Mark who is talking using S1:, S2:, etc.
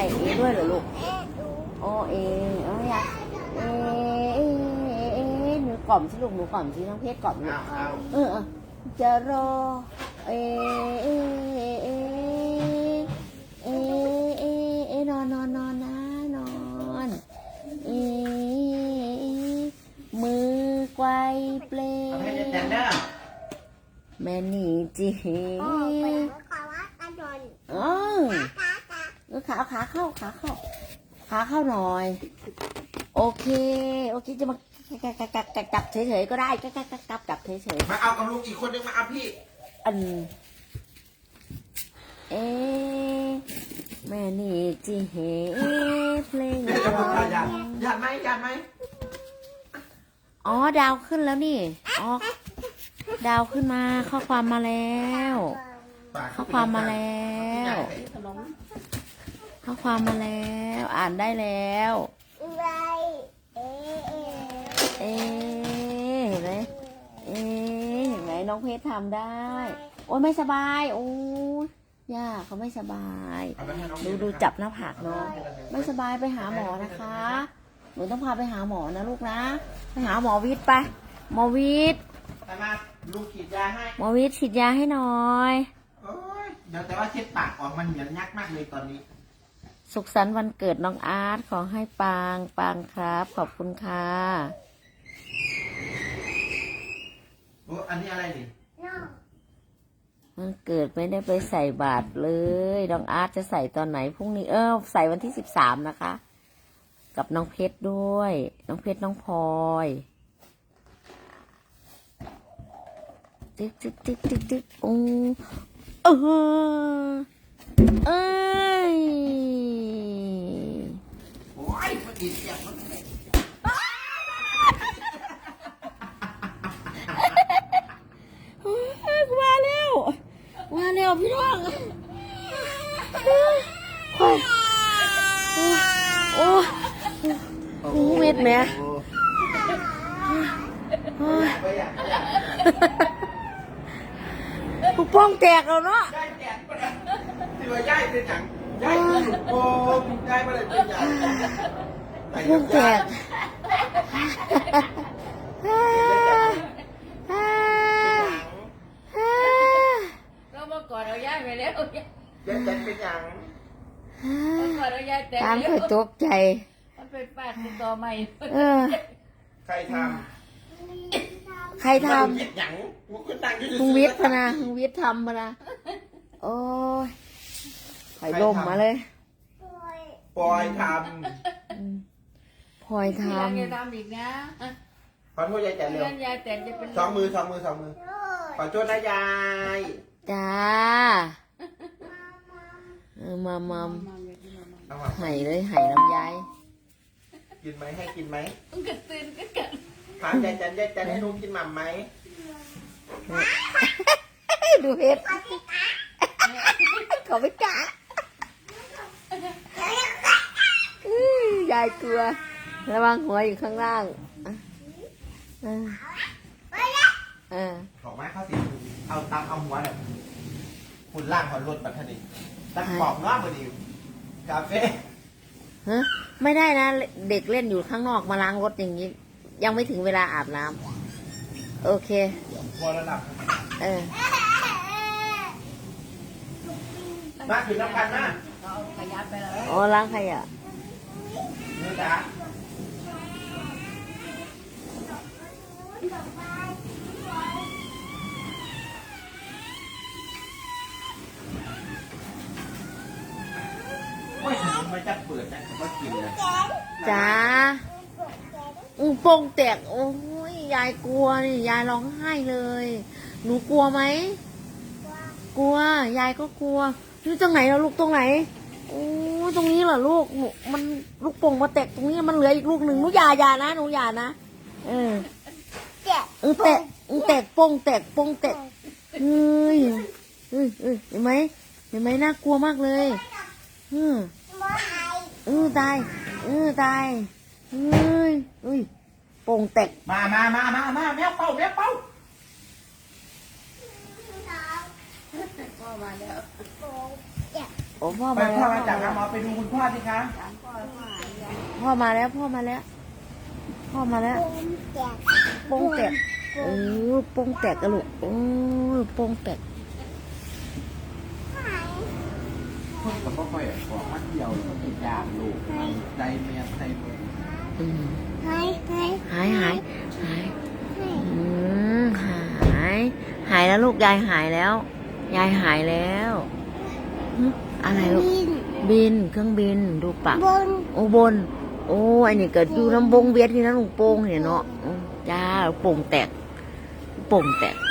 S1: เอด้วยเหรอลูกโอเอเอาอยากเอหนูกล่อมสิลูกหนูกล่อมสิน้องเพชรกล่อมลูกจะรอเอนอนนะนอนมือไกวเปลแม่นี่จีขาเข้าหน่อยโอเคจะมาจับเฉยๆก็ได้จับเฉย
S2: ๆมาเอากับลูกอีกคนนึงมาเอาพี่
S1: แม่นี่จีเพลง
S2: ยันไหม
S1: อ๋อดาวขึ้นแล้วนี่อ๋อดาวขึ้นมาข้อความมาแล้วข้อความมาแล้วอ่านได้แล้วเห็นไหมเห็นไหมน้องเพชรทำได้โอ้ยไม่สบายโอ้ยย่าเขาไม่สบายดูจับหน้าผากน้องไม่สบายไปหาหมอนะคะหนูต้องพาไปหาหมอนะลูกนะไปหาหมอวิทย์ไปหมอวิทย์
S2: มาลูกฉีดยาให้
S1: หมอวิทย์ฉีดยาให้หน่อย
S2: เดี๋ยวแต่ว่าเช็ดปากออกมันเหมือนยักมากเลยตอนนี้
S1: สุขสันต์วันเกิดน้องอาร์ตขอให้ปังครับขอบคุณค่ะ
S2: อันนี้อะไรดิ
S1: มันเกิดไม่ได้ไปใส่บาตรเลยน้องอาร์ตจะใส่ตอนไหนพรุ่งนี้ใส่วันที่13นะคะกับน้องเพชรด้วยน้องเพชรน้องพลอยติ๊กโอ้เอ้ย
S2: โอ้ยมันดีเสียงมัน
S1: มาเร็วพี่น้องโอ้เม็ดแม่ผู้ป้องแตกแล้วเนาะ
S2: ที่ว่าย่ายเป็นอย่างย่ายอยู่โอ้ย่ายมาเลยเป็นอย่าง
S1: ป้องแตก
S3: ก็เมื่อก่อนเราย่ายไปแล้ว
S2: ย่ายเป็นอย่าง
S3: เมื่อก่อนเราย่ายแต่
S1: ตามเคยตกใจ
S3: มันเป็นปาดติดต่อใหม่
S2: ใครทำ
S1: ลุงวิทย์พนะลุงวิทย์ทำพนะโอ้ยไข่ล่มมาเลย
S2: ปล่อยทำ
S3: อย่าทำอีกนะ
S2: ขอโทษยายแต่เร็วย
S3: ายแต่จะเป็น
S2: สองมือขอโทษนะยาย
S1: จ้ามัมไห่เลยไห่น้ำยาย
S2: กินไหมให้กินไหม
S3: ต้องกระตือนกัน
S2: ถามยายจันให้ลุงกินหม่ำไหม
S1: ดูเพชรเขาไม่กล้ายายกลัวระวังหัวอยู่ข้างล่าง
S2: ของไม้ข้าวสีเอาตามเอาหัวเนี่ยคุณล่างขอรถบัตรนี่ตั้งปอกน้อพอดีกาแฟ
S1: ไม่ได้นะเด็กเล่นอยู่ข้างนอกมาล้างรถอย่างนี้ยังไม่ถึงเวลาอาบน้ำโอเค
S2: พอระดับมาถึงน้ำพันนะ
S3: ขยับไปแล้ว
S1: อ๋อล้างใครอ่ะ
S2: นี่จ้ะไม่จะเปิดนะก็กินเลย
S1: จ้าโป่งแตกโอ้ยยายกลัวนี่ยายร้องไห้เลยหนูกลัวไหมกลัวยายก็กลัวนี่ตรงไหนเราลูกตรงไหนโอ้ตรงนี้เหรอลูกมันลูกโป่งมาแตกตรงนี้มันเหลืออีกลูกหนึ่งหนูอย่านะหนูอย่านะแตกโป่งแตกเห็นไหมน่ากลัวมากเลยตายโป่งแตก
S2: มาแมวเป่า
S3: พ่อมาแล้ว
S1: โอ้พ่อ
S2: ไป
S1: มาแล้
S2: พ่อ
S1: ว
S2: มาจากหาหมอไปดูคุณพ่อสิคะ
S1: พ่อมาแล้วพ่อมาแล้วพ่อมาแล้วโป้งแตกโอ้โป้งแตกกระลูกโอ้โป้งแตก
S2: คนกับพ่อค่อยบอกมัดเดียวแล้วติดยามลูกใจเมียใจมือ
S1: อืม
S4: หาย
S1: หายหายแล้วลูกยายหายแล้ว ยายหายแล้วหึอะไรลูก บินเครื่องบินดูปะ
S4: บน
S1: โอ้บน โอ้อันนี้เกิดอยู่น้ำบงเวียดที่นั่นลุงโป่งเนี่ยเนาะจ้าโป่งแตก